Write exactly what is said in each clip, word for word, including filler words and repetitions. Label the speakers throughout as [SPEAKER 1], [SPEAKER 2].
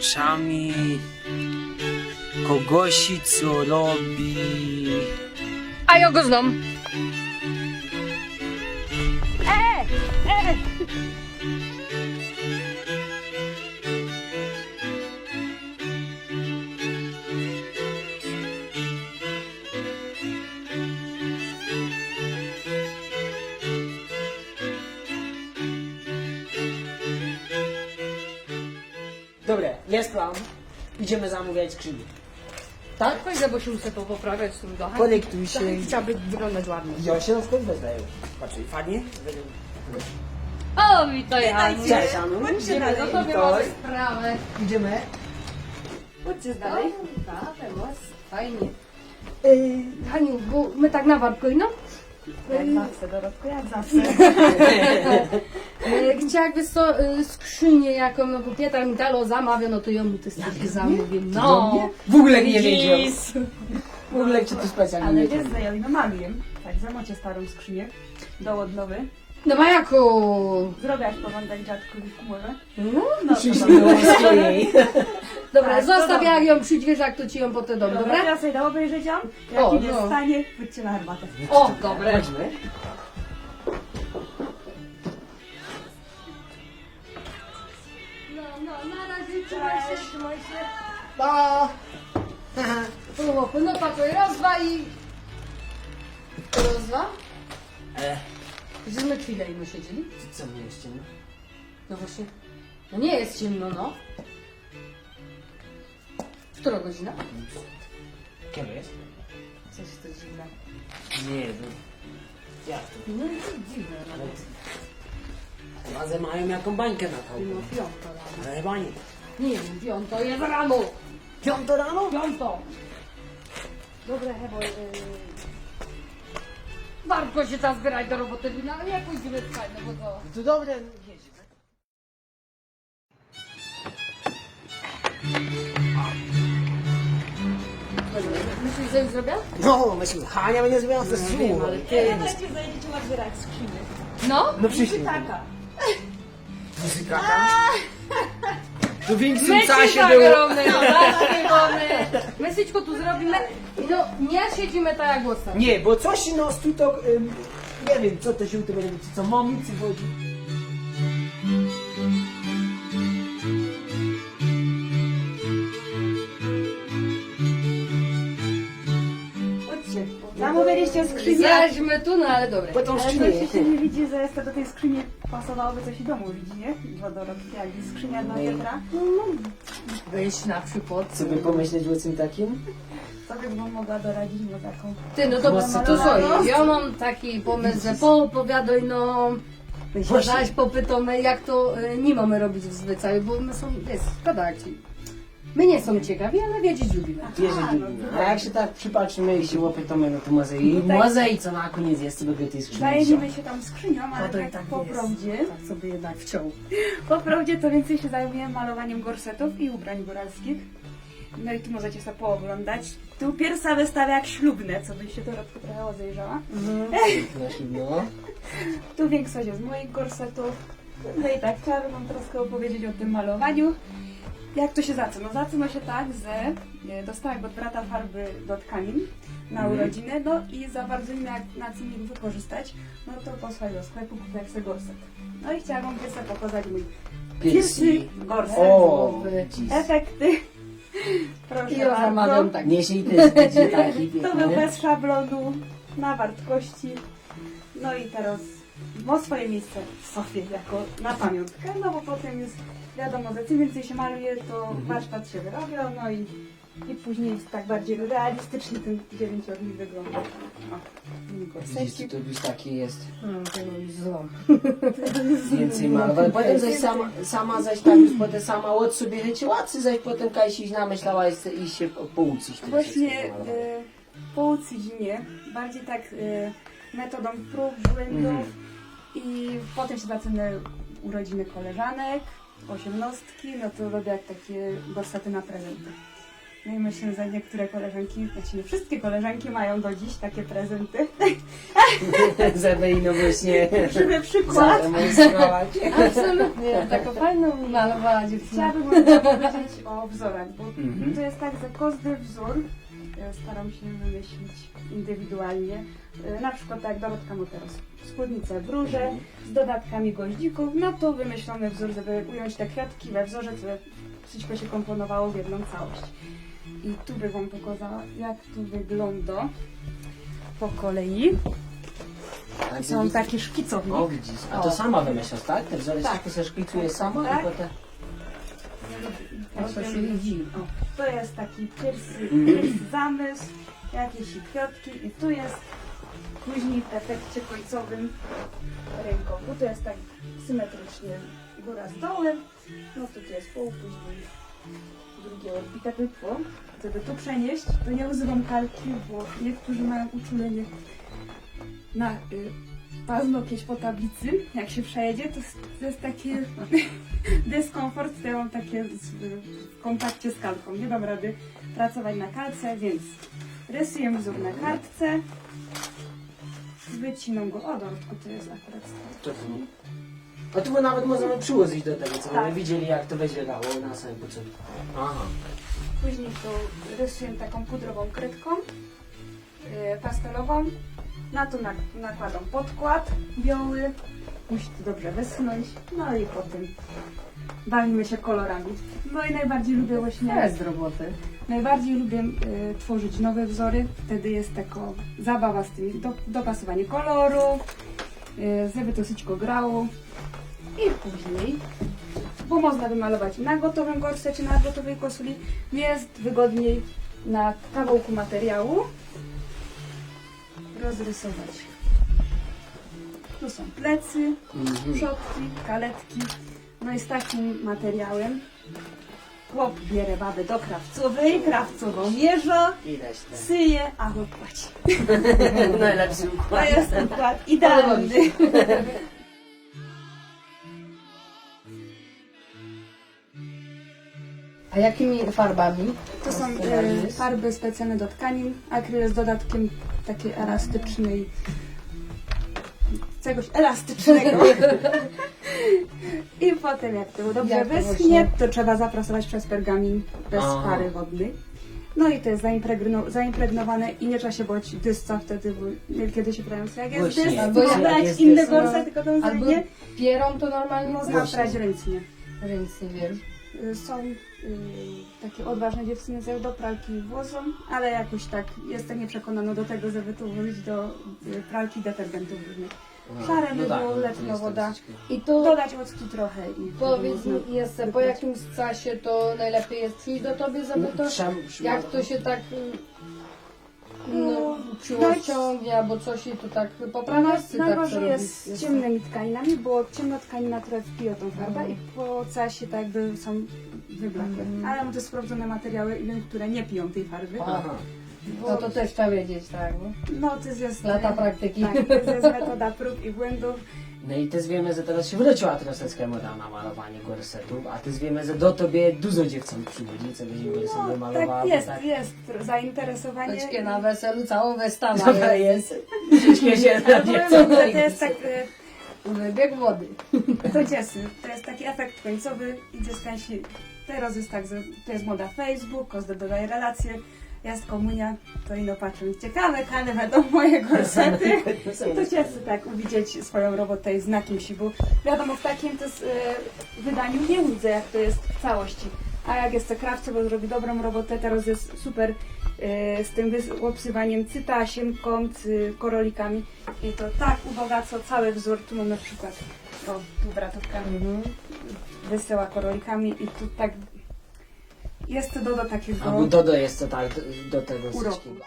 [SPEAKER 1] oczami kogoś, co robi...
[SPEAKER 2] A ja go znam. E! E!
[SPEAKER 3] Dobra, jest plan. Idziemy zamawiać skrzynię. Tak?
[SPEAKER 2] Pójdę, bo się muszę to poprawiać z tym dachem.
[SPEAKER 3] Konektuj się.
[SPEAKER 2] Chciałaby wyglądać ładnie.
[SPEAKER 3] Ja się na skąd wezdaję. Patrz, fajnie.
[SPEAKER 2] O, witaj, Aniu.
[SPEAKER 3] Cześć, Anu.
[SPEAKER 2] Chodźcie
[SPEAKER 3] Idziemy
[SPEAKER 2] dalej, no to
[SPEAKER 3] witaj.
[SPEAKER 2] mamy sprawę.
[SPEAKER 3] Idziemy.
[SPEAKER 2] Chodźcie dalej. Tak, teraz. Fajnie. Yy, Haniu, bo my tak na wartko, no?
[SPEAKER 4] Jak zawsze, Dorotko, jak zawsze.
[SPEAKER 2] Yy, Chciałabym so, yy, skrzynię jaką, no bo Pietra mi dalo zamawia, no to ja mu te styczki zamówię. No.
[SPEAKER 3] W ogóle nie wiedział.
[SPEAKER 2] Widzisz.
[SPEAKER 3] W ogóle cię to specjalnie
[SPEAKER 4] Ale
[SPEAKER 3] nie
[SPEAKER 4] wiesz,
[SPEAKER 3] wiedział.
[SPEAKER 4] że ja ją maluję. Tak, zamocie starą skrzynię do odnowy.
[SPEAKER 2] No ma jako.
[SPEAKER 4] Zrobię jak poglądać dziadkowi w chmurze.
[SPEAKER 2] No,
[SPEAKER 4] No,
[SPEAKER 3] Przyjść
[SPEAKER 4] to
[SPEAKER 3] do swojej.
[SPEAKER 2] dobra,
[SPEAKER 4] Tak,
[SPEAKER 2] zostaw
[SPEAKER 4] dobra.
[SPEAKER 2] jak ją przyjdźwiesz, jak to ci ją potem dom,
[SPEAKER 4] Dobra,
[SPEAKER 2] dobra?
[SPEAKER 4] teraz sobie da obejrzeć ją. Jak
[SPEAKER 2] O,
[SPEAKER 4] im jest
[SPEAKER 2] no.
[SPEAKER 4] w stanie, chodźcie na herbatę.
[SPEAKER 2] O, dobre.
[SPEAKER 3] Chodźmy.
[SPEAKER 2] No, no, na razie trzymaj się, trzymaj się.
[SPEAKER 3] Pa!
[SPEAKER 2] Chłopy, no pakuj, raz, dwa i... Raz, dwa?
[SPEAKER 3] E,
[SPEAKER 2] Żeśmy chwilę i my siedzieli.
[SPEAKER 3] co mnie jeszcze?
[SPEAKER 2] No właśnie. No nie jest ciemno, no. Która godzina?
[SPEAKER 3] Kiedy jest?
[SPEAKER 2] Coś to dziwne.
[SPEAKER 3] Nie, no. Jak to?
[SPEAKER 2] No i to dziwne nawet.
[SPEAKER 3] Razem mają jaką bańkę na to.
[SPEAKER 2] No piąto rano.
[SPEAKER 3] Ale chyba nie.
[SPEAKER 2] Nie wiem, piąto jest rano.
[SPEAKER 3] Piąto rano?
[SPEAKER 2] Piąto. Dobra, Hebo, yy... Warto się tam zbierać do roboty, no ale jak pójdziemy spać, no bo to...
[SPEAKER 3] To dobre, jedziemy.
[SPEAKER 2] Myślisz, że już zrobię?
[SPEAKER 3] No, myślę, Hania będzie zrobiła ze
[SPEAKER 2] No wiem, ale ty...
[SPEAKER 4] Dajcie, zajdziecie otwierać skrzynię.
[SPEAKER 2] No?
[SPEAKER 3] No przyszli.
[SPEAKER 4] Taka.
[SPEAKER 3] Muzykaka? To w większym
[SPEAKER 2] My ci
[SPEAKER 3] czasie było.
[SPEAKER 2] zagramy, no właśnie, bo my... My wszystko tu zrobimy i no nie siedzimy tak jak głosem.
[SPEAKER 3] Nie, bo coś nas tu to... Ym, nie wiem, co to się tu będzie, co mamicy chodzi.
[SPEAKER 4] Chodźcie. Zamówiliście skrzynię.
[SPEAKER 2] Zaśmy tu, no ale dobra.
[SPEAKER 3] Po tą
[SPEAKER 4] Ale
[SPEAKER 3] skrzynię.
[SPEAKER 4] coś się nie widzi, że jeszcze do tej skrzyni pasowałoby coś i domu, widzi, nie? Dwa Dorotki, jak jest skrzynia dla
[SPEAKER 3] Nie.
[SPEAKER 4] Piotra.
[SPEAKER 2] Weź na przykład.
[SPEAKER 3] Co by pomyśleć o czym takim?
[SPEAKER 4] Co bym wam mogła doradzić na taką?
[SPEAKER 2] Ty, no to,
[SPEAKER 3] Głosy
[SPEAKER 2] to
[SPEAKER 3] to-
[SPEAKER 2] słuchaj, ja mam taki pomysł, że poopowiadaj no... My się
[SPEAKER 3] Właśnie.
[SPEAKER 2] zaś popytamy, jak to y, nie mamy robić w zwyczaju, bo my są, jest, szkoda jak ci. My nie są ciekawi, ale wiedzieć lubimy.
[SPEAKER 3] Wierzę, A jak się tak przypatrzymy i się łopytamy, no to może i
[SPEAKER 4] Tutaj-
[SPEAKER 3] może i co na koniec jest, co by tej skrzyni
[SPEAKER 4] Zajęliśmy się tam skrzynią, ale
[SPEAKER 2] to i
[SPEAKER 4] tak,
[SPEAKER 2] tak
[SPEAKER 4] po
[SPEAKER 2] jest.
[SPEAKER 4] prawdzie,
[SPEAKER 2] Tak sobie jednak wciął.
[SPEAKER 4] po prawdzie to więcej się zajmuję malowaniem gorsetów i ubrań góralskich. No i tu możecie sobie pooglądać. Tu pierwsza wystawa jak ślubne, co byś się Dorotko trochę rozejrzała.
[SPEAKER 3] No.
[SPEAKER 4] Tu większość jest moich gorsetów. No i tak, chciałabym wam troszkę opowiedzieć o tym malowaniu. Jak to się zaczyna? No zaczyna się tak, że e, dostałam od brata farby do tkanin na
[SPEAKER 3] Mhm.
[SPEAKER 4] urodziny, no i za bardzo nie miałam na co nim wykorzystać, no to posłać do sklepu, kupię sobie gorset. No i chciałam wam pierwsze pokazać mój pierwszy
[SPEAKER 3] Piersi.
[SPEAKER 4] gorset.
[SPEAKER 3] O, jeez.
[SPEAKER 4] Efekty. Proszę
[SPEAKER 2] I ja zamawiam
[SPEAKER 4] bardzo.
[SPEAKER 2] tak.
[SPEAKER 3] Nie się i też będzie taki
[SPEAKER 4] To był
[SPEAKER 3] piękny.
[SPEAKER 4] bez szablonu, na wartości. No i teraz ma swoje miejsce w sofie jako na pamiątkę, no bo potem już wiadomo, że czym więcej się maluje, to warsztat się wyrabia, no i, i później jest tak bardziej realistycznie ten dziewięciornik wygląda. O,
[SPEAKER 3] Widzisz,
[SPEAKER 4] gorsecik.
[SPEAKER 3] to już taki jest.
[SPEAKER 2] No, to już złom.
[SPEAKER 3] Więcej malować. Potem zaś sama, sama zaś tak już potem sama od sobie leciła, czy zaś potem Kajsi namyślała i się pouczyć. tym
[SPEAKER 4] Właśnie
[SPEAKER 3] wszystkim malować.
[SPEAKER 4] e, pouczyć nie, bardziej tak e, metodą prób, błędów i potem się zaczyna urodziny koleżanek, osiemnastki, no to robię jak takie gorsety na prezenty. No i myślę, że niektóre koleżanki, znaczy nie wszystkie koleżanki mają do dziś takie prezenty.
[SPEAKER 3] Żeby ino właśnie
[SPEAKER 4] Żeby przykład.
[SPEAKER 3] zademonstrować.
[SPEAKER 2] Absolutnie, taką fajną malowała dziewczyna.
[SPEAKER 4] Chciałabym wam powiedzieć o wzorach, bo
[SPEAKER 3] Mhm.
[SPEAKER 4] to jest tak, że każdy wzór e, staram się wymyślić indywidualnie. E, Na przykład tak jak Dorotka ma teraz spódnicę w róże z dodatkami goździków, no to wymyślony wzór, żeby ująć te kwiatki we wzorze, żeby wszystko się komponowało w jedną całość. I tu bym wam pokazała, jak tu wygląda po kolei.
[SPEAKER 3] Tak,
[SPEAKER 4] Są
[SPEAKER 3] widzisz?
[SPEAKER 4] takie szkicownie.
[SPEAKER 3] O widzisz, a to
[SPEAKER 2] O.
[SPEAKER 3] sama wymyślasz, tak? Te wzory
[SPEAKER 4] Tak.
[SPEAKER 3] wszystko se szkicuje sama
[SPEAKER 4] Tak.
[SPEAKER 3] i potem...
[SPEAKER 2] No to się widzi.
[SPEAKER 4] O, to jest taki pierwszy,
[SPEAKER 3] Mhm.
[SPEAKER 4] pierwszy zamysł, jakieś kwiatki i tu jest później w efekcie końcowym rękowu. To jest tak symetrycznie góra z dołem, no to tu jest pół, później drugie odbite wytło. Żeby tu przenieść, to nie używam kalki, bo niektórzy mają uczulenie na y, paznokieć po tablicy. Jak się przejedzie, to, jest- to jest taki dyskomfort, to ja mam takie z, w kontakcie z kalką. Nie dam rady pracować na kalce, więc rysuję wzór na kartce. Wycinam go. O, Dorotku, to jest akurat
[SPEAKER 3] To tu. A tu nawet możemy przyłożyć do tego, co
[SPEAKER 4] Tak.
[SPEAKER 3] będziemy widzieli, jak to wyglądało na samym początku. Aha.
[SPEAKER 4] Później to rysuję taką pudrową kredką yy, pastelową. Na to nak nakładam podkład biały. Musi to dobrze wyschnąć. No i potem bawimy się kolorami. No i najbardziej lubię właśnie...
[SPEAKER 2] Bez roboty.
[SPEAKER 4] Najbardziej lubię y, tworzyć nowe wzory. Wtedy jest taka zabawa z tym, do, dopasowanie koloru, y, żeby to wszystko grało. I później, bo można wymalować na gotowym gorse czy na gotowej kosuli, jest wygodniej na kawałku materiału rozrysować. Tu są plecy,
[SPEAKER 3] Mhm.
[SPEAKER 4] przodki, kaletki. No i z takim materiałem chłop bierze babę do krawcowej, krawcową mierza,
[SPEAKER 3] Widać te.
[SPEAKER 4] syje, a chłop płaci.
[SPEAKER 3] Najlepszy
[SPEAKER 4] To
[SPEAKER 3] układ.
[SPEAKER 4] jest układ idealny.
[SPEAKER 2] A jakimi farbami?
[SPEAKER 4] To są e, farby specjalne do tkanin, akryl z dodatkiem takiej elastycznej, czegoś elastycznego. I potem jak to dobrze
[SPEAKER 2] Jak to
[SPEAKER 4] wyschnie,
[SPEAKER 2] właśnie?
[SPEAKER 4] to trzeba zaprasować przez pergamin bez
[SPEAKER 3] Aha.
[SPEAKER 4] pary wodnej. No i to jest zaimpregno, zaimpregnowane i nie trzeba się bać dysca wtedy, bo kiedy się prawią jak jest
[SPEAKER 3] Właśnie,
[SPEAKER 4] dys,
[SPEAKER 2] albo
[SPEAKER 4] to
[SPEAKER 2] jak
[SPEAKER 4] brać
[SPEAKER 3] jest
[SPEAKER 4] inne
[SPEAKER 3] dys,
[SPEAKER 4] gorse,
[SPEAKER 2] no.
[SPEAKER 4] tylko to
[SPEAKER 2] Albo
[SPEAKER 4] zajmie.
[SPEAKER 2] pierą to normalnie
[SPEAKER 4] Można
[SPEAKER 3] Właśnie.
[SPEAKER 4] prać ręcznie.
[SPEAKER 2] ręcznie, wiesz.
[SPEAKER 4] Y, Są y, takie odważne dziewczyny, że do pralki włożą, ale jakoś tak jestem nieprzekonana do tego, żeby to włożyć do y, pralki detergentów różnych.
[SPEAKER 3] A,
[SPEAKER 4] Szare
[SPEAKER 3] no
[SPEAKER 4] by
[SPEAKER 3] tak,
[SPEAKER 4] było,
[SPEAKER 3] no to
[SPEAKER 4] letnia
[SPEAKER 3] jest
[SPEAKER 4] woda.
[SPEAKER 3] troszeczkę.
[SPEAKER 2] I to
[SPEAKER 4] Dodać octu trochę i
[SPEAKER 2] powiedz
[SPEAKER 4] można
[SPEAKER 2] mi jeszcze, po
[SPEAKER 4] wybrać.
[SPEAKER 2] jakimś czasie to najlepiej jest przyjść do tobie, żeby to,
[SPEAKER 3] Przem- przem-
[SPEAKER 2] jak to się tak
[SPEAKER 4] No,
[SPEAKER 2] no,
[SPEAKER 4] dać-
[SPEAKER 2] ciągnie albo coś i to tak
[SPEAKER 4] Na,
[SPEAKER 2] poprawiasz, czy tak
[SPEAKER 4] najgorzej
[SPEAKER 2] to
[SPEAKER 4] jest
[SPEAKER 2] robisz?
[SPEAKER 4] z ciemnymi tkaninami, bo ciemna tkanina trochę wpija tą farbę
[SPEAKER 2] Mhm.
[SPEAKER 4] i po czasie tak jakby są wyblakłe.
[SPEAKER 2] Mhm.
[SPEAKER 4] Ale mam też sprawdzone materiały, wiem, które nie piją tej farby.
[SPEAKER 3] Aha.
[SPEAKER 2] No to też trzeba wiedzieć, tak, nie?
[SPEAKER 4] No to jest
[SPEAKER 2] Lata praktyki.
[SPEAKER 4] Tak, to jest metoda prób i błędów.
[SPEAKER 3] No i też wiemy, że teraz się wróciła troszeczkę moda na malowanie gorsetów, a też wiemy, że do tobie dużo dziewcząt przychodzi, co będzie gorset
[SPEAKER 4] No,
[SPEAKER 3] wymalowała.
[SPEAKER 4] tak
[SPEAKER 3] bo
[SPEAKER 4] jest,
[SPEAKER 3] tak.
[SPEAKER 4] jest zainteresowanie.
[SPEAKER 2] Choćkie na weselu całą wystawę
[SPEAKER 3] Dobra jest. Ciężkie się
[SPEAKER 4] Ale
[SPEAKER 3] na
[SPEAKER 4] powiem
[SPEAKER 3] dziewcząt.
[SPEAKER 4] wam, że to jest tak, e,
[SPEAKER 2] wybieg wody.
[SPEAKER 4] to dziesy, to jest taki efekt końcowy i dziecka się, teraz jest tak, że to jest moda Facebook, każdy dodaje relacje, jest komunia, to ino patrzą, ciekawe, kane będą moje gorsety. I to ciesy tak widzieć swoją robotę i znakiem si, bo wiadomo w takim też, e, wydaniu nie widzę jak to jest w całości. A jak jest to krawca, bo zrobi dobrą robotę, teraz jest super e, z tym wys- obsywaniem cytasiem, kąt, y, korolikami i to tak ubogaca cały wzór. Tu mam na przykład, o, tu bratówka
[SPEAKER 2] Mhm.
[SPEAKER 4] wysyła korolikami i tu tak jest to do, do takiego...
[SPEAKER 3] Albo Dodo jest to tak do tego
[SPEAKER 4] Uroku.
[SPEAKER 3] wszystkiego.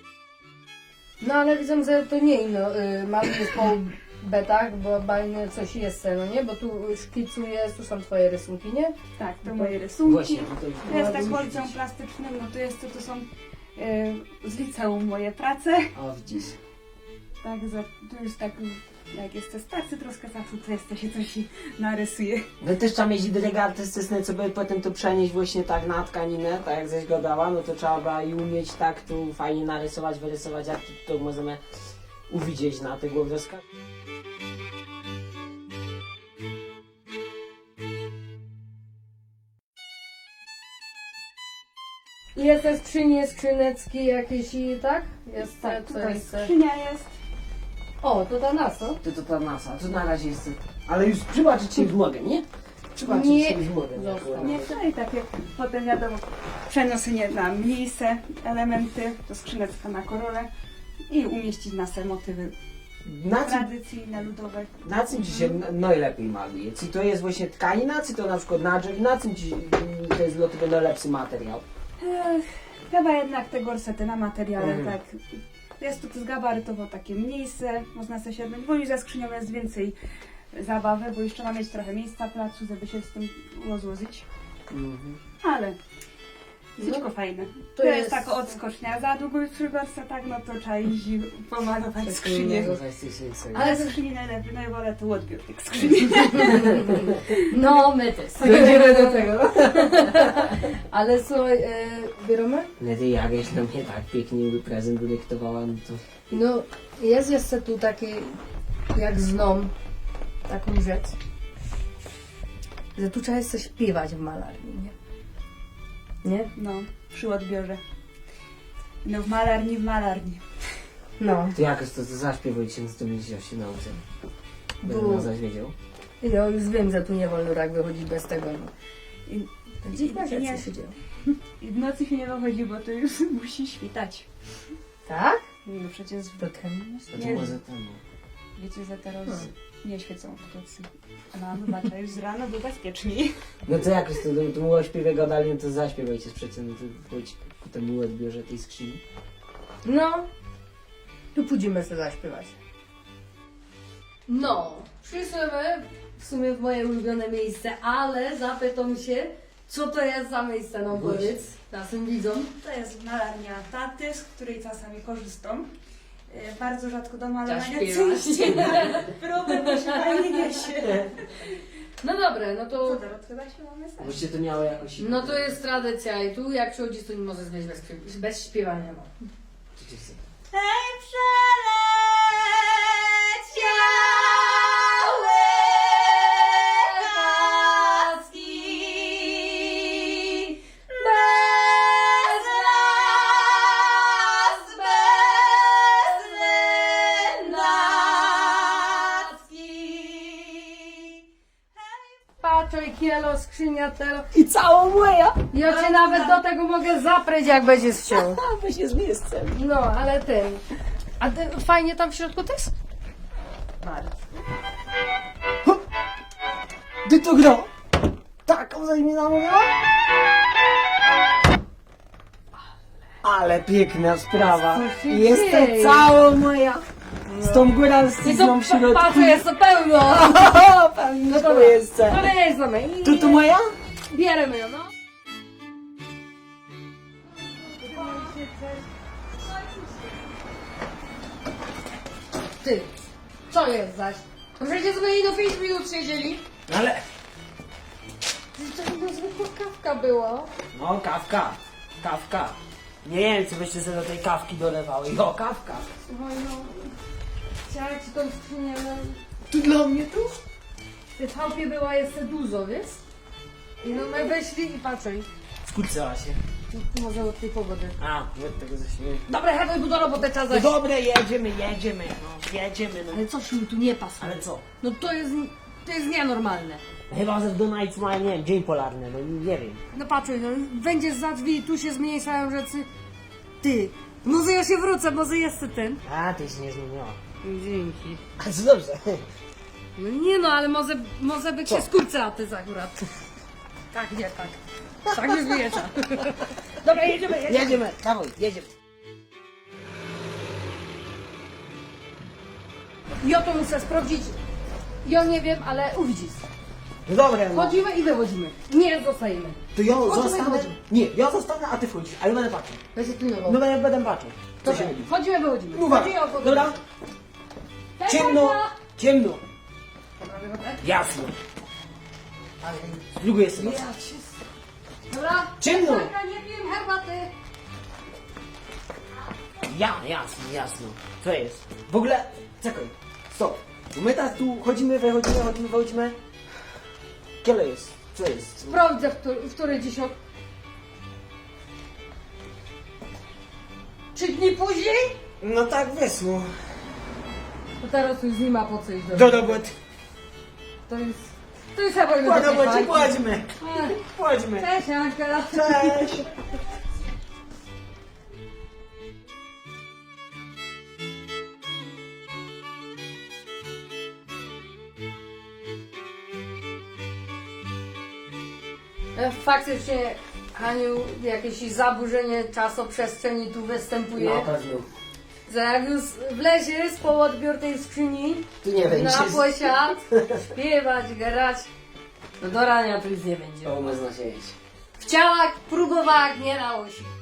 [SPEAKER 2] No ale widzę, że to nie ino, y, malujesz po betach, bo bajne coś jest, no nie? Bo tu szkicujesz, tu są twoje rysunki, nie?
[SPEAKER 4] Tak, to moje rysunki.
[SPEAKER 3] Właśnie, tutaj
[SPEAKER 4] To jest tak
[SPEAKER 3] ładnie
[SPEAKER 4] kolcem
[SPEAKER 3] widzieć.
[SPEAKER 4] plastycznym, no to jest to, to są e, z liceum moje prace.
[SPEAKER 3] O, widzisz.
[SPEAKER 4] Także tu jest tak jak jeste starcy troszkę zatru, to jeszcze się coś narysuje.
[SPEAKER 3] No też trzeba mieć dryg artystyczny, co by potem to przenieść właśnie tak na tkaninę, tak jak żeś go dała, no to trzeba by i umieć tak tu fajnie narysować, wyrysować, jak to, to możemy uwidzieć na tych obrazkach.
[SPEAKER 2] I jest te skrzynie, skrzynecki jakieś i tak? Jest
[SPEAKER 4] Tak,
[SPEAKER 2] te, co
[SPEAKER 4] tutaj
[SPEAKER 2] jest te-
[SPEAKER 4] skrzynia jest.
[SPEAKER 2] O, to ta NASA.
[SPEAKER 3] To to ta masa, to na razie jest... Ale już przybaczyć się już mogę, nie? Przybaczyć
[SPEAKER 2] Nie.
[SPEAKER 3] się już mogę.
[SPEAKER 2] Zostaw.
[SPEAKER 4] Nie, no i tak jak potem wiadomo, przeniosenie na miejsce, elementy, to skrzynecka na korole i umieścić na se motywy
[SPEAKER 3] Na czym,
[SPEAKER 4] tradycyjne, ludowe.
[SPEAKER 3] na czym ci się n- najlepiej maluje? Czy to jest właśnie tkanina, czy to na przykład na drzew? Na czym ci mm, to jest dla tego najlepszy materiał?
[SPEAKER 4] Ech, chyba jednak te gorsety na materiale,
[SPEAKER 3] Mhm.
[SPEAKER 4] tak. Jest to zgabarytowo takie mniejsze, można sobie siadać, bo już za skrzynią jest więcej zabawy, bo jeszcze ma mieć trochę miejsca, placu, żeby się z tym rozłożyć.
[SPEAKER 3] Mhm.
[SPEAKER 4] Ale wszystko
[SPEAKER 2] No,
[SPEAKER 4] fajne.
[SPEAKER 2] to
[SPEAKER 4] To, jest,
[SPEAKER 2] jest-
[SPEAKER 4] taka odskocznia. Za długo już przy gorsetach, no to trzeba iść i pomalować skrzynię.
[SPEAKER 3] To zaś ty się sobie-
[SPEAKER 4] Ale ze skrzyni najlepiej, najwolę to odbiór tych skrzyni.
[SPEAKER 2] No, my też. Dojdziemy do tego. Ale słuchaj, e, bierzemy?
[SPEAKER 3] No ty jakieś na mnie tak pięknie prezent dyktowała, no to...
[SPEAKER 2] No, jest jeszcze tu taki, jak znam taką rzecz, że tu trzeba jeszcze śpiewać w malarni, nie? Nie?
[SPEAKER 4] No, przy odbiorze. No w malarni, w malarni.
[SPEAKER 2] No.
[SPEAKER 3] To jakoś to, to zaśpiewajcie, no to będzie się nauczył. Będę
[SPEAKER 2] Było.
[SPEAKER 3] nas zaś wiedział.
[SPEAKER 2] Ja już wiem, że tu nie wolno tak wychodzić bez tego. No.
[SPEAKER 4] I,
[SPEAKER 2] Dziwne
[SPEAKER 4] i, nie,
[SPEAKER 2] rzeczy się dzieją.
[SPEAKER 4] I w nocy się nie wychodzi, bo to już musi świtać.
[SPEAKER 2] Tak?
[SPEAKER 4] No przecież
[SPEAKER 2] To ten
[SPEAKER 3] To
[SPEAKER 4] Nie.
[SPEAKER 3] to może temu.
[SPEAKER 4] wiecie, że teraz
[SPEAKER 2] Hmm.
[SPEAKER 4] nie świecą w nocy. A wybacza, już z rana było bezpieczniej.
[SPEAKER 3] No to jakoś to, to, to mu śpiewie gadali, no to zaśpiewajcie sprzecie, no to chodź ku temu odbiorze tej skrzyni.
[SPEAKER 2] No, tu pójdziemy sobie zaśpiewać. No, przyszłymy w sumie w moje ulubione miejsce, ale zapytam się, co to jest za miejsce, no powiedz naszym widzom.
[SPEAKER 4] To jest malarnia taty, z której czasami korzystam. E, Bardzo rzadko do malowania
[SPEAKER 2] Zaśpiewasz.
[SPEAKER 4] Problem, bo się fajnie niesie.
[SPEAKER 2] No dobre, no
[SPEAKER 4] Co
[SPEAKER 2] to,
[SPEAKER 4] teraz chyba się mamy znać.
[SPEAKER 3] Właściwie to miało jakoś...
[SPEAKER 2] no to jest tradycja i tu jak przychodzisz, to nie możesz mieć bez, śpiew- bez śpiewania. No.
[SPEAKER 3] Co ci chce?
[SPEAKER 4] Hej, przeleciały paski bez nas, bez lędacki.
[SPEAKER 2] Patrzaj, kielo, skrzynia, telo.
[SPEAKER 3] I całą moja!
[SPEAKER 2] Ja cię nawet do tego mogę zapryć, jak będziesz chciał.
[SPEAKER 3] A, weź jest miejscem.
[SPEAKER 2] No, ale ten. A ty, fajnie tam w środku też?
[SPEAKER 4] Bardzo.
[SPEAKER 3] Ty to gra! Taką zaś mi namówiła? Ale piękna sprawa.
[SPEAKER 2] Co się
[SPEAKER 3] Jestem
[SPEAKER 2] dzieje?
[SPEAKER 3] całą moja. Z tą
[SPEAKER 2] I to
[SPEAKER 3] góralszczyzną w środku.
[SPEAKER 2] patrzę, jest to pełno.
[SPEAKER 3] Pewnie
[SPEAKER 2] No
[SPEAKER 3] to
[SPEAKER 2] dobra,
[SPEAKER 3] jest.
[SPEAKER 2] to nie jest mamy.
[SPEAKER 3] Tu to moja?
[SPEAKER 2] Bierzemy ją, no. Ty, co jest zaś? No przecież my do pięć minut siedzieli.
[SPEAKER 3] Ale...
[SPEAKER 2] To chyba zwykła kawka była.
[SPEAKER 3] No, kawka. Kawka. Nie wiem, co byście sobie do tej kawki dolewały. Jo, kawka.
[SPEAKER 2] Słuchaj, no. Chciała ci tą skrzynię, no.
[SPEAKER 3] Tu dla mnie tu?
[SPEAKER 2] W tej chałupie była jeszcze dużo, wiesz? I no my weszli i patrzaj.
[SPEAKER 3] Skurczyła się.
[SPEAKER 2] Może od tej pogody.
[SPEAKER 3] A, od tego zaśmieję.
[SPEAKER 2] Dobra, chętnie tu do roboty czas
[SPEAKER 3] No
[SPEAKER 2] zaś.
[SPEAKER 3] dobre, jedziemy, jedziemy. No, jedziemy, no.
[SPEAKER 2] Ale coś mi tu nie pasuje.
[SPEAKER 3] Ale co?
[SPEAKER 2] No to jest, to jest nienormalne.
[SPEAKER 3] Chyba, że w Dunajcu mają, nie wiem, dzień polarny, no nie wiem.
[SPEAKER 2] No patrzaj, no będziesz za drzwi, tu się zmniejszają rzeczy. Ty, może ja się wrócę, może jeszcze ten.
[SPEAKER 3] A, ty się nie zmieniła.
[SPEAKER 2] Dzięki.
[SPEAKER 3] A co dobrze.
[SPEAKER 2] No nie no, ale może, może by
[SPEAKER 3] Co?
[SPEAKER 2] się skurczyła ty akurat. Tak, nie, tak. Tak nie zmiesza. Dobra, jedziemy, jedziemy.
[SPEAKER 3] Jedziemy, dawaj, jedziemy.
[SPEAKER 2] Ja to muszę sprawdzić. Ja nie wiem, ale uwidzisz.
[SPEAKER 3] No dobra, no.
[SPEAKER 2] Chodzimy i wychodzimy. Nie zostajemy.
[SPEAKER 3] To ja
[SPEAKER 2] Chodźmy,
[SPEAKER 3] zostanę.
[SPEAKER 2] chodźmy.
[SPEAKER 3] Nie, ja zostanę, a ty wchodzisz, ale będę patrzył.
[SPEAKER 2] Będzie pilnował.
[SPEAKER 3] No będę, będę patrzył. Co
[SPEAKER 2] Dobra,
[SPEAKER 3] się robi?
[SPEAKER 2] chodzimy, wychodzimy.
[SPEAKER 3] Uwaga,
[SPEAKER 2] Chodzi o to-
[SPEAKER 3] dobra?
[SPEAKER 2] Hej,
[SPEAKER 3] Ciemno,
[SPEAKER 2] Kasia!
[SPEAKER 3] Ciemno.
[SPEAKER 2] Prawie wodę?
[SPEAKER 3] Jasno.
[SPEAKER 2] Ale...
[SPEAKER 3] Z drugiej strony.
[SPEAKER 2] Ja cię... Dobra?
[SPEAKER 3] Ciemno.
[SPEAKER 2] Taka, nie piję herbaty.
[SPEAKER 3] Ja, jasno, jasno. Co jest? W ogóle, czekaj, stop. Bo my teraz tu chodzimy, wychodzimy, chodzimy, wychodzimy. Kiele jest? Co jest?
[SPEAKER 2] Sprawdzę, w, który, w której dziś... ok- Trzy dni później?
[SPEAKER 3] No tak wyszło.
[SPEAKER 2] To teraz już nie ma po co iść do
[SPEAKER 3] Do roboty.
[SPEAKER 2] To jest... To jest chyba już
[SPEAKER 3] Po
[SPEAKER 2] do tej
[SPEAKER 3] robocie,
[SPEAKER 2] bajki.
[SPEAKER 3] płaćmy.
[SPEAKER 2] Ech,
[SPEAKER 3] Płaćmy.
[SPEAKER 2] Cześć, Anka.
[SPEAKER 3] Cześć.
[SPEAKER 2] E, Faktycznie, Haniu, jakieś zaburzenie czasoprzestrzeni tu występuje.
[SPEAKER 3] Na pewno.
[SPEAKER 2] Że jak już wlezie z po odbiór tej skrzyni,
[SPEAKER 3] Tu nie będzie.
[SPEAKER 2] na posiad, śpiewać, grać, to do rania tu już nie będzie.
[SPEAKER 3] O, można się jeść.
[SPEAKER 2] W ciałach próbowała, nie dało się.